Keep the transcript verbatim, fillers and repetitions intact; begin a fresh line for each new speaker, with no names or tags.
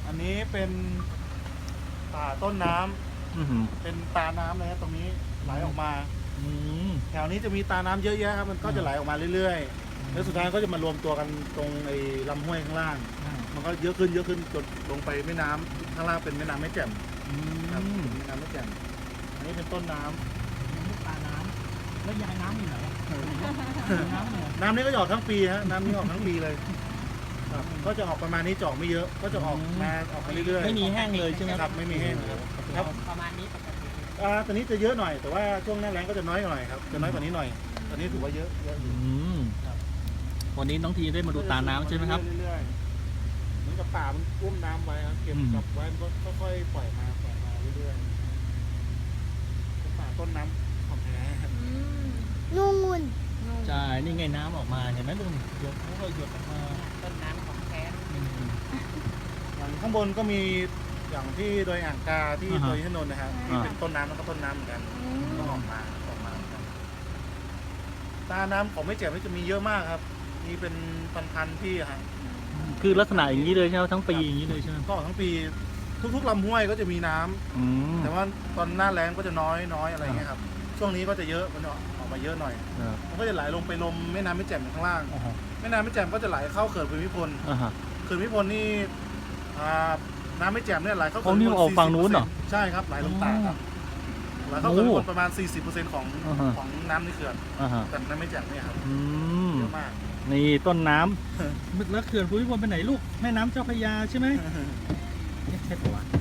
อันนี้เป็นป่าต้นน้ำ
อือหือ
เป็นตาน้ำเลยครับตรงนี้ไหลออกมา
อืม
แถวนี้จะมีตาน้ำเยอะแยะครับมันก็จะไหลออกมาเรื่อยๆแล้วสุดท้ายก็จะมารวมตัวกันตรงไอ้ลำห้วยข้างล่าง มันก็เยอะขึ้นเยอะขึ้นจนลงไปแม่น้ำข้างล่างเป็นแม่น้ำแม่แจ่ม
อื
ครับ
ม
เป็นแม่น้ำแม่แจ่มอันนี้เป็นต้นน้ำ
ปลาน้ำแล้วยายน้ำอยู่ไหนอะน้ำเนี่ย
น้ำนี้ก็จะออกทั้งปีฮะน้ำนี้ออกทั้งปีเลยครับก็จะออกประมาณนี้จะออกไม่เยอะ ก็จะออกมาออกมาเรื่อยๆ
ไม่มีแห้งเลยใช่ไหม
ครับไม่มีแห้งครับครับ
ประมาณนี้ปกติ
อ่าตอนนี้จะเยอะหน่อยแต่ว่าช่วงหน้าแล้งก็จะน้อยหน่อยครับจะน้อยกว่านี้หน่อยตอนนี้ถือว่าเยอะเยอะอ
อื
ยู่
มวันนี้น้องทีได้มาดูตาน้ำใช่ไหมครับ
เรื่อยๆเหมือนกับป่ามันอุ้มน้ำไว้ครับเก็บ
อืม
กลับไว้มันก็ค่อยๆปล่อยมาปล่อยมาเรื่อยๆเป็นป่าต้นน้ำของแท้ครับ
นู่น
ใช่นี่ไงน้ำออกมาเห็นไหมลุงหยดเขาก็หยดออกมา
ต้นน้ำของแท้
อืม
อย่างข้างบนก็มีอย่างที่โดยอ่างกาที่
อ่าฮะ
โดยที่นนท์นะครับ
อ่า
ที่เป็นต้นน้ำแล้วก็ต้นน้ำเหมือนกันก็ออกมาออกมาเหมือนกันตาน้ำของไม่เจ็บนี่จะมีเยอะมากครับมีเป็นพันๆที่ครับ
คือลักษณะอย่างนี้เลยใช่ไหมทั้งปีอย่างนี้เลยใช่ไหม
ก็ทั้งปีทุกๆลำห้วยก็จะมีน้ำ
อืม
แต่ว่าตอนหน้าแล้งก็จะน้อยน้อยอะไรอย่างเงี้ยครับช่วงนี้ก็จะเยอะมันจะออกมาเยอะหน่อย
ครับ
มันก็จะไหลลงไปลมแม่น้ำแม่แจ่มข้างล่าง
อ่าฮะ
แม่น้ำแม่แจ่มก็จะไหลเข้าเขื่อนภูมิพล
อ่าฮะ
เขื่อนภูมิพลนี่อ่าน้ำแม่แจ่มเนี่ยไหลเข้า
อ๋อนี่ออกฝั่งนู้นเหรอ
ใช่ครับไหลลงตากครับไหลเข้า
โอ้
เขื่อนภูมิพลประมาณ สี่สิบเปอร์เซ็นต์ ของ
อ่าฮะ
ของน้ำในเขื่อน
อ่าฮะ
แต่น้ำแม่แจ่มเนี่ยครับ
อืม
เยอะมาก
นี่ต้นน้ำแล้วเขื่อนภูมิพลไปไหนลูกแม่น้ำเจ้าพระยาใช่ไหมใช่ปะวะ